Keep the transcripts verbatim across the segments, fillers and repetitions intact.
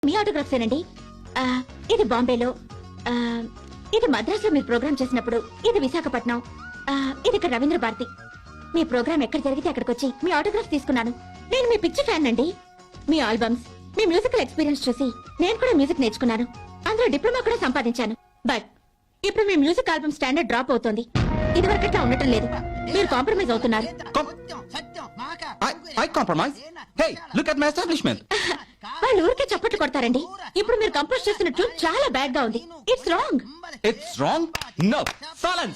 మీ ఆటోగ్రాఫ్సేనండి. ఇది బాంబేలో, ఇది మద్రాసులో మీరు ప్రోగ్రామ్ చేసినప్పుడు, ఇది విశాఖపట్నం, ఇది ఇక్కడ రవీంద్ర భారతి. మీ ప్రోగ్రామ్ ఎక్కడ జరిగితే అక్కడికి వచ్చి మీ ఆటోగ్రాఫ్ తీసుకున్నాను. నేను మీ పిక్చర్ ఫ్యాన్ అండి. మీ ఆల్బమ్స్, మీ మ్యూజికల్ ఎక్స్పీరియన్స్ చూసి నేను కూడా మ్యూజిక్ నేర్చుకున్నాను. అందులో డిప్లొమా కూడా సంపాదించాను. బట్ ఇప్పుడు మీ మ్యూజిక్ ఆల్బమ్ స్టాండర్డ్ డ్రాప్ అవుతోంది. ఇది వరకట్లా ఉండటం లేదు. మీరు కాంప్రమైజ్ అవుతున్నారు. I compromise? Hey, look at my establishment. వాళ్ళు ఊరికే చప్పట్లు కొడతారండి. ఇప్పుడు మీరు కంపోజ్ చేస్తున్న ట్యూన్ చాలా బ్యాడ్ గా ఉంది. It's wrong. It's wrong? No. Silence.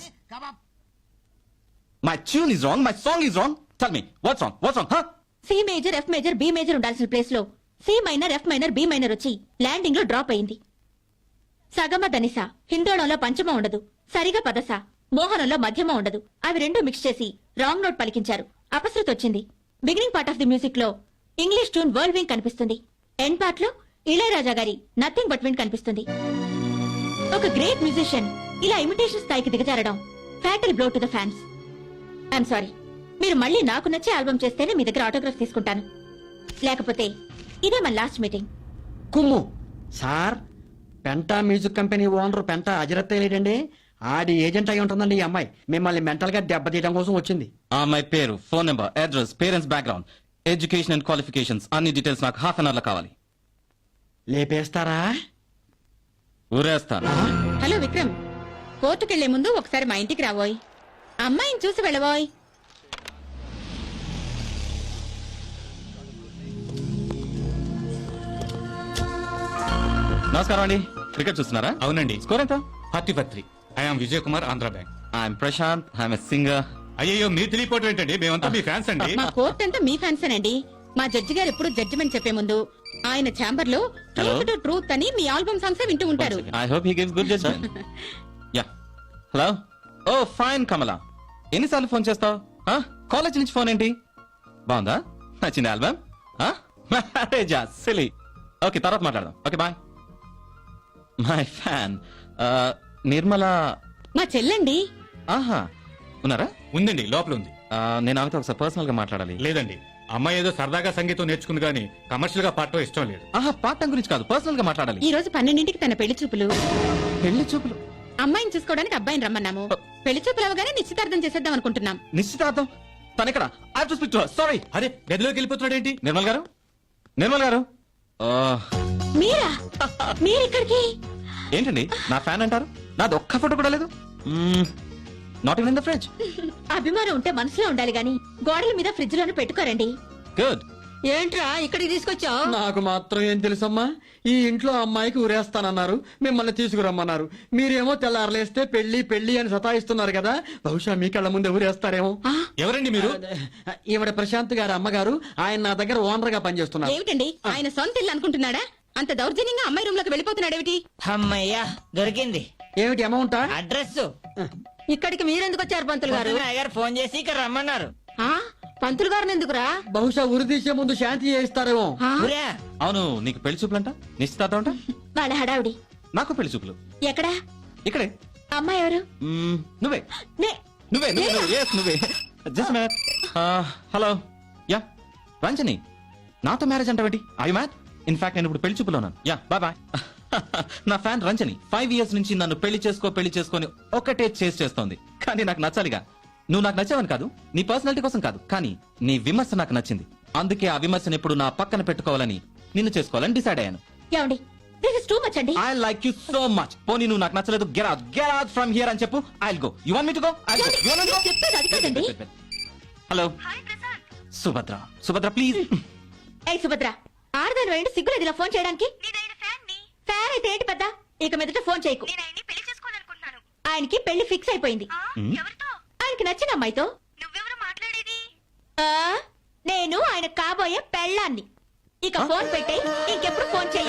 My tune is wrong. My song is wrong. Tell me, what's wrong? What's wrong? Huh? C major, F major, B major ఉండాల్సిన ప్లేస్ లో C minor, F minor, B minor వచ్చి landing లో drop అయింది. సగమ ధనిస, హిందోళంలో పంచమ ఉండదు. సరిగా పదస, మోహనంలో మధ్యమ ఉండదు. అవి రెండు మిక్స్ చేసి రాంగ్ నోట్ పలికించారు. అపశృతి వచ్చింది. Beginning part of the music లో ఇంగ్లీష్ ట్యూన్ వరల్డ్ వింగ్ కనిపిస్తుంది. ఎండ్ పార్ట్ లో ఇళయరాజా గారి నథింగ్ బట్ విండ్ కనిపిస్తుంది. ఒక గ్రేట్ మ్యూజిషియన్ ఇలా ఇమిటేషన్ స్థాయికి దిగజారడం fatal blow to the fans. I'm sorry. మీరు మళ్ళీ నాకు నచ్చే ఆల్బమ్ చేస్తేనే మీ దగ్గర ఆటోగ్రాఫ్ తీసుకుంటాను. లేకపోతే ఇదే మన లాస్ట్ మీటింగ్. కుమ్ము sir, Penta music company owner Penta అజరత్తే లేడండి. ఆడి ఏజెంట్ అయి ఉంటుందండి ఈ అమ్మాయి. మిమ్మల్ని మెంటల్ గా దెబ్బతీయడం కోసం వచ్చింది. ఆ అమ్మాయి పేరు, phone number, address, parents background, education and qualifications అన్ని డీటెయిల్స్ నాకు హాఫ్ అన్ అవర్ లో కావాలి. లేపేస్తారా? ఊరేస్తాను. హలో విక్రమ్, కోర్టుకెళ్లే ముందు ఒకసారి మా ఇంటికి రాబోయ్. అమ్మాయిని చూసి వెళ్ళబోయ్. నమస్కారం అండి. క్రికెట్ చూస్తున్నారా? అవునండి. స్కోర్ ఎంత? Forty for three. I'm Vijay Kumar, Andhra bank. I'm Prashanth, I'm singer. అయ్యో, మీరు తెలియపోవటం ఏంటండి? మేమంతా మీ ఫ్యాన్స్ అండి. మా కోర్ట్ అంతా మీ ఫ్యాన్సేనండి. మా జడ్జి గారు ఎప్పుడు జడ్జిమెంట్ చెప్పే ముందు ఆయన ఛాంబర్ లో ట్రూత్ టు ట్రూత్ అని మీ ఆల్బమ్ సాంగ్స్ వింటూ ఉంటారు. I hope he gives good judgement. Yeah. Hello. Oh fine Kamala. ఎన్నిసార్లు ఫోన్ చేస్తావు? కాలేజ్ నుంచి ఫోన్ ఏంటి? బాగుందా? నచ్చింది ఆల్బమ్? మ్యారేజా? సిలీ. ఓకే, తర్వాత మాట్లాడదాం. Okay, bye. My fan Nirmala. మా చెల్లండి. ఆహా, ఉన్నారా? ఉందండి, లోపల ఉంది. ఆ, నేను ఆమెతో ఒకసారి పర్సనల్ గా మాట్లాడాలి. లేదండి, అమ్మాయి ఏదో సరదాగా సంగీతం నేర్చుకుంది కానీ కమర్షియల్ గా పాడటం ఇష్టం లేదు. ఆహా, పాఠం గురించి కాదు, పర్సనల్ గా మాట్లాడాలి. ఈ రోజు పన్నెండింటికి తన పెళ్లి చూపులు. పెళ్లి చూపులు? అమ్మాయిని చూసుకోవడానికి అబ్బాయిని రమ్మన్నాము. పెళ్లి చూపులు అవగానే నిశ్చితార్థం చేసేద్దాం అనుకుంటున్నాం. నిశ్చితార్థం? తన ఇక్కడ? I have to speak to her. Sorry. అరే, గదిలోకి వెళ్ళిపోతున్నాడు ఏంటి? నిర్మల్ గారు, నిర్మల్ గారు. మీరా? మీరిక్కడికి? ఏంటండి నా ఫ్యాన్ అంటారు? నాది ఒక్క ఫోటో కూడా లేదు. Not even in the fridge. అభిమానం ఉంటే మనసులో ఉండాలి గాని గోడల మీద ఫ్రిడ్జ్ లోనే పెట్టుకోరండి. గుడ్. ఏంట్రా ఇక్కడికి తీసుకొచ్చావు? నాకు మాత్రం ఏం తెలుసమ్మా. ఈ ఇంట్లో అమ్మాయికి ఊరేస్తానన్నారు, మిమ్మల్ని తీసుకురమ్మన్నారు. మీరేమో తెల్లారలేస్తే పెళ్లి పెళ్లి అని సతాయిస్తున్నారు కదా. బహుశా మీ కళ్ళ ముందే ఊరేస్తారేమో. ఎవరండి మీరు? ఈవిడ ప్రశాంత్ గారి అమ్మగారు. ఆయన నా దగ్గర ఓనర్ గా పనిచేస్తున్నారు. ఏమిటండి ఆయన సొంత ఇల్లు అనుకుంటున్నాడా? అంత దౌర్జన్యంగా అమ్మాయి రూమ్ లోకి వెళ్ళిపోతున్నాడేమిటి? అమ్మయ్యా, దొరికింది. ఏమిటి అమౌంటా? అడ్రస్. ఇక్కడికి మీరెందుకు వచ్చారు పంతులు గారు? గారు ఫోన్ చేసి ఇక్కడ రమ్మన్నారు. ఆ పంతులు గారిని ఎందుకురా? బహుశా ఉరి తీసే ముందు శాంతి చేయిస్తారేమో. ఆ? ఊరా, అవును, నీకు పెళ్లి చూపులు అంట, నిశ్చితార్థం అంట. వాళ్ళ హడావుడి. నాకు పెళ్లి చూపులు ఎక్కడా? ఇక్కడే. అమ్మాయి ఎవరు? మ్మ్, నువ్వే నే- నువ్వే నువ్వే నువ్వే. Yes, నువ్వే. Just minute. Hello. Yeah, Ranjani. నాతో మ్యారేజ్ అంటావేంటి? I mad. ఇన్ఫాక్ట్ నేను ఇప్పుడు పెళ్లి చూపులో ఉన్నాను. Yeah, bye bye. నా ఫ్యాన్ రంజని ఫైవ్ ఇయర్స్ నుంచి నన్ను పెళ్లి చేసుకో పెళ్లి చేసుకొని ఒకటే చేసి చేస్తోంది. కానీ నాకు నచ్చాలిగా. నువ్వు నాకు నచ్చావని కాదు, నీ పర్సనాలిటీ కోసం కాదు, కానీ నీ విమర్శ నాకు నచ్చింది. అందుకే ఆ విమర్శను ఇప్పుడు నా పక్కన పెట్టుకోవాలని, నిన్ను చేసుకోవాలని డిసైడ్ అయ్యాను. ఏమండి, దిస్ ఇస్ టూ మచ్ అండి. I like you so much. పోనీ నువ్వు నాకు నచ్చలేదు, get out get out from here అని చెప్పు. I will go. You want me to go? I will go. You want me to go? చెప్పేది అది కాదండి. హలో సుభద్ర. సుభద్ర ప్లీజ్. ఏయ్ సుభద్ర, ఆడదాని వేయండి, సిగ్గులేదు ఇలా ఫోన్ చేయడానికి. ఫ్యాన్ అయితే ఏంటి పెద్ద? ఇక మీదట ఫోన్ చేయకు. ఆయనకి పెళ్లి ఫిక్స్ అయిపోయింది. ఆయనకి నచ్చిన అమ్మాయితో. ఆ, నేను ఆయన కాబోయే పెళ్ళాన్ని. ఇక ఫోన్ పెట్టే, ఇంకెప్పుడు ఫోన్ చెయ్యి.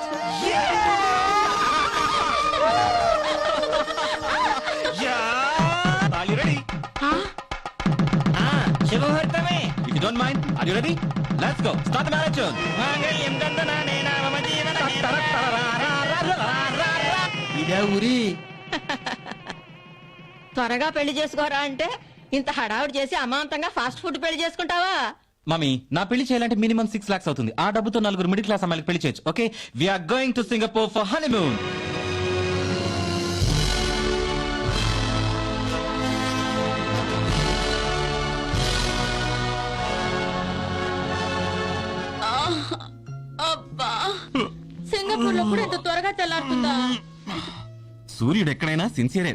శుభముహూర్తమే. If you don't mind, are you ready? Let's go. Start the marriage tune. మాంగళ్యం దందనానేన మమ జీవన ఇదే ఊరి. త్వరగా పెళ్లి చేసుకోరా అంటే ఇంత హడావుడి చేసి అమాంతంగా ఫాస్ట్ ఫుడ్ పెళ్లి చేసుకుంటావా? మమ్మీ నా పెళ్లి చేయాలంటే మినిమం సిక్స్ లాక్స్ అవుతుంది. ఆ డబ్బుతో నలుగురు మిడిల్ క్లాస్ అమ్మాయిలకు పెళ్లి చేయొచ్చు. Okay, we're going to Singapore for honeymoon. అబ్బా, సింగపూర్ లో కూడా ఇంత త్వరగా తెల్లారుతుందా? సూర్యుడు ఎక్కడైనా సిన్సియరే.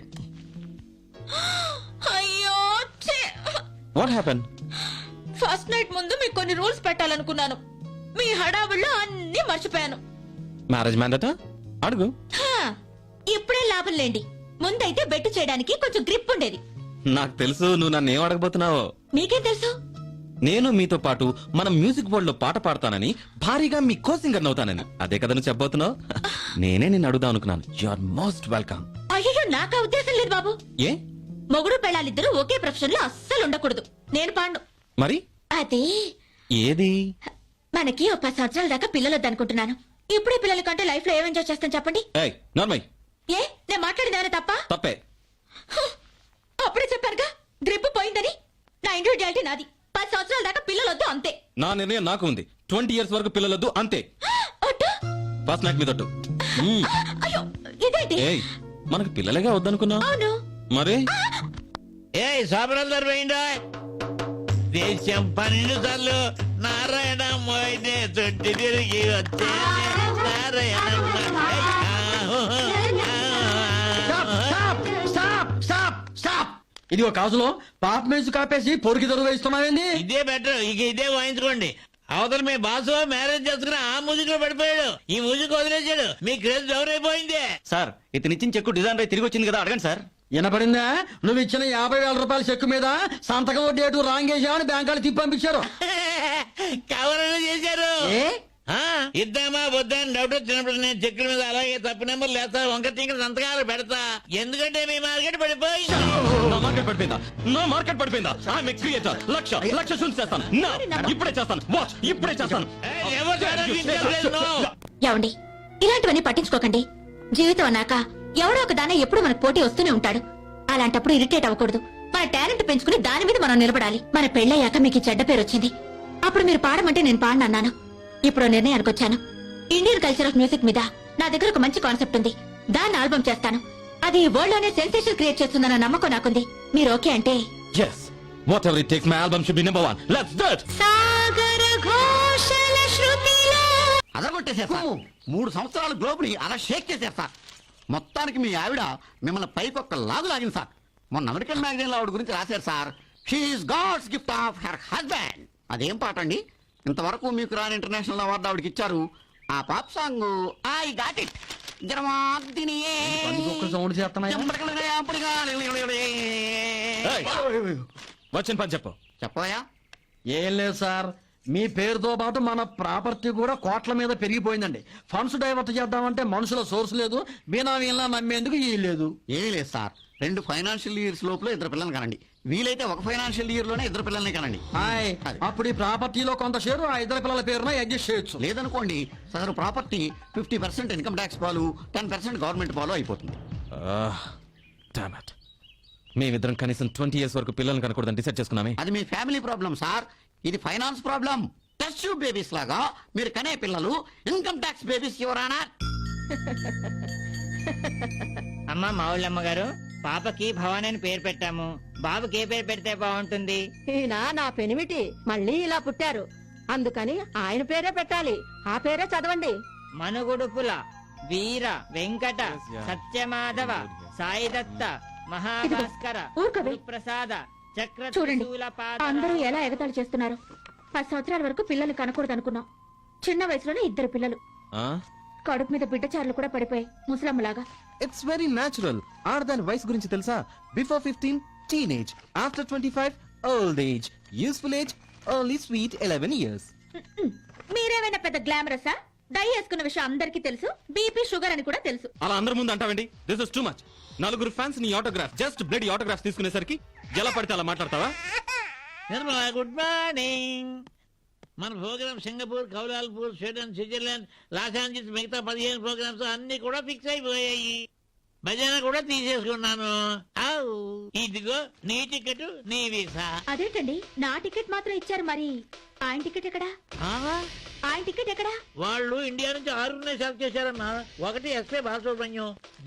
అయ్యో ఛీ! What happen? ఫస్ట్ నైట్ ముందు మీకు కొన్ని రూల్స్ పెట్టాలనుకున్నాను. మీ హడావుల్లో అన్ని మర్చిపోయాను. మ్యారేజ్ మ్యాన్ దట అడుగు. హా, ఇప్పుడే లాభం లేండి. ముందైతే బెట్టు చేయడానికి కొంచెం గ్రిప్ ఉండేది. నాకు తెలుసు నువ్వు నన్ను ఏం అడగబోతున్నావో. మీకేం తెలుసు? నేను మీతో పాటు మన మ్యూజిక్ వరల్డ్ లో పాట పాడతానని, భారీగా మీ కో సింగర్ అవుతానని. అదే కదా నువ్వు చెప్పబోతున్నావు. నేనే నిన్ను అడుగుదాం అనుకున్నాను. You are most welcome. అయ్యో, నాకా ఉద్దేశం లేదు బాబు. ఏ మొగుడు పెళ్ళాలిద్దరూ ఒకే ప్రొఫెషన్ లో అస్సలు ఉండకూడదు. నేను పాండు. మరి అదే ఏది? మనకి ఒక పది సంవత్సరాల దాకా పిల్లలు వద్దనుకుంటున్నాను. ఇప్పుడే పిల్లల కంటే లైఫ్ లో ఏం ఎంజాయ్ చేస్తాను చెప్పండి. ఏయ్ నార్మల్. ఏ నేను మాట్లాడింది ఏమైనా తప్ప? తప్పే. అప్పుడే చెప్పారుగా గ్రిప్ పోయిందని. నా ఇండివిజువాలిటీ నాది. పది సంవత్సరాల దాకా పిల్లలు వద్దు అంతే. నా నిర్ణయం నాకు ఉంది. ట్వంటీ ఇయర్స్ వరకు పిల్లలొద్దు అంతే. ఒట్టు? ఫస్ట్ నైట్ మీద ఒట్టు. అయ్యో ఇదేంటి? ఏయ్ మనకు పిల్లలేగా వద్దనుకున్నా. అవును. మరి ఏ సాబరందరు పోయిందా? దేశం పన్నెండు సార్లు నారాయణ మోయినే చుట్టి తిరిగి వచ్చే Narayana. Stop stop stop stop. ఇది ఒక కాజులో పాప మ్యూజిక్ ఆపేసి పొరికి దొరుకు వేస్తున్నావేంది? ఇదే బెటర్, ఇక ఇదే వాయించుకోండి. అవతల మీ బాసు మ్యారేజ్ చేసుకుని ఆ మ్యూజిక్ లో పడిపోయాడు, ఈ మ్యూజిక్ వదిలేశాడు. మీ క్రేజ్ డౌన్ అయిపోయింది. సార్ ఇతను ఇచ్చిన చెక్కు డిజైన్ తిరిగి వచ్చింది కదా, అడగండి సార్. వినపడిందా? నువ్వు ఇచ్చిన యాభై వేల రూపాయల చెక్కు మీద సంతకం డేటు రాంగేశామని బ్యాంక్ వాళ్ళు తిప్పి పంపించారు. కవరలు చేశారు. ఏ? ఆ, ఇద్దామా వద్దా అని డౌట్ వచ్చినప్పుడు నేను చెక్కుల మీద అలాగే తప్పు నెంబర్ లేస్తా, వంక టింకర సంతకాలు పెడతా. ఎందుకంటే మీ మార్కెట్ పడిపోయింది. నా మార్కెట్ పడిపోయిందా? నా మార్కెట్ పడిపోయిందా? I'm creator. లక్ష లక్ష షూట్ చేస్తాను. నా ఇప్పుడే చేస్తాను. వాచ్ ఇప్పుడే చేస్తాను. ఏయ్, ఎవరు చేయాలో తెలియదు. ఏమండి, ఇలాంటివన్నీ పట్టించుకోకండి. జీవితం అన్నాక ఎవడో ఒక దాన ఎప్పుడు మనకు పోటీ వస్తూనే ఉంటాడు. అలాంటప్పుడు ఇరిటేట్ అవ్వకూడదు. మన టాలెంట్ పెంచుకుని దాని మీద మనం నిలబడాలి. మన పెళ్ళయ్యాక మీకు ఈ చెడ్డ పేరు వచ్చింది. అప్పుడు మీరు పాడమంటే నేను పాడనన్నాను. ఇప్పుడు నిర్ణయానికి వచ్చాను. ఇండియన్ కల్చర్ ఆఫ్ మ్యూజిక్ మీద నా దగ్గర ఒక మంచి కాన్సెప్ట్ ఉంది. దాన్ని ఆల్బమ్ చేస్తాను. అది వరల్డ్ లోనే సెన్సేషన్ క్రియేట్ చేస్తుందన్న నమ్మకం నాకుంది. మీరు ఓకే అంటే yes whatever it takes, my album should be number one. Let's do it. సాగర ఘోషల శృతిలో అదరగొట్టేసేస్తా. మూడు సంవత్సరాలు గ్లోబ్ ని అలా షేక్ చేసేస్తా. మొత్తానికి మీ ఆవిడ మిమ్మల్ని పైకి ఒక్క లాగు లాగింది సార్. మొన్న అమెరికన్ మ్యాగజైన్ లో ఆవిడ గురించి రాశారు sir. She is God's gift of her husband. అదేం పాట అండి? ఇంతవరకు మీకు రాని ఇంటర్నేషనల్ అవార్డు ఆవిడకి ఇచ్చారు. ఆ pop song I got it. Sound చేస్తున్నాయి. Hey, వచ్చిన పని చెప్పు. చెప్పవయ్యా. ఏం లేదు సార్, మీ పేరుతో పాటు మన ప్రాపర్టీ కూడా కోట్ల మీద పెరిగిపోయిందండి. ఫండ్స్ డైవర్ట్ చేద్దామంటే మనుషుల సోర్స్ లేదు, బీనామీలా నమ్మేందుకు ఈ లేదు. ఏమీ లేదు సార్, రెండు ఫైనాన్షియల్ ఇయర్స్ లోపల ఇద్దరు పిల్లల్ని కనండి. వీలైతే ఒక ఫైనాన్షియల్ ఇయర్ లోనే ఇద్దరు పిల్లల్ని కనండి. హాయ్, అది. అప్పుడు ఈ ప్రాపర్టీలో కొంత షేరు ఆ ఇద్దరు పిల్లల పేరున అడ్జస్ట్ చేయొచ్చు. లేదనుకోండి sir, property fifty percent income tax పాలు, టెన్ పర్సెంట్ గవర్నమెంట్ పాలు అయిపోతుంది. Damn it. మేమిద్దరం కనీసం ట్వంటీ ఇయర్స్ వరకు పిల్లల్ని కనకూడదని డిసైడ్ చేసుకున్నామే. అది మీ ఫ్యామిలీ ప్రాబ్లం సార్, ఇది finance problem. Test tube babies లాగా మీరు కనే పిల్లలు ఇన్కమ్ ట్యాక్స్ బేబీస్ ఎవరానా? అమ్మ మావుళ్ళమ్మ గారు, పాపకి భవాని అని పేరు పెట్టాము. బాబుకి ఏ పేరు పెడితే బాగుంటుంది? ఈయన నా పెనిమిటి మళ్ళీ ఇలా పుట్టారు, అందుకని ఆయన పేరే పెట్టాలి. ఆ పేరే చదవండి. మనుగుడుపుల వీర వెంకట సత్యమాధవ సాయిదత్త మహాభాస్కర ఊరుకోవే. ప్రసాద చక్ర చూడండి, త్రిశూల పాద అందరూ ఎలా ఎగతాళి చేస్తున్నారు. పది సంవత్సరాల వరకు పిల్లల్ని కనకూడదు అనుకున్నాం. చిన్న వయసులోనే ఇద్దరు పిల్లలు. కడుపు మీద బిడ్డచారులు కూడా పడిపోయాయి ముసలమ్మలాగా. It's very natural. ఆడదాని వయసు గురించి తెలుసా? Before fifteen teenage, after twenty five old age, useful age only sweet eleven years. మీరేమైనా పెద్ద గ్లామరసా? డై వేసుకున్న విషయం అందరికీ తెలుసు. బీపీ షుగర్ అని కూడా తెలుసు. అలా అందరి ముందు అంటావండి? This is too much. నలుగురు ఫ్యాన్స్ నీ ఆటోగ్రాఫ్, జస్ట్ బ్లడ్ ఆటోగ్రాఫ్ తీసుకునేసరికి ఎలా పడితే అలా మాట్లాడతావా? Nirmala, good morning. మన programme Singapore, Kuala Lumpur, Sweden, Switzerland, Los Angeles, మిగతా పదిహేను ప్రోగ్రామ్స్ అన్ని కూడా ఫిక్స్ అయిపోయాయి. భజన కూడా తీసేసుకున్నాను ఆవ్. ఇదిగో నీ టికెట్ నీ వీసా. అదేంటండి నా టికెట్ మాత్రం ఇచ్చారు మరి ఆయన టికెట్ ఎక్కడా ఆ? ఆయన టికెట్ ఎక్కడా వాళ్ళు ఇండియా నుంచి ఆరుగురినే సెలెక్ట్ చేశారమ్మా. ఒకటి ఎస్పీ బాలసుబ్రహ్మణ్యం,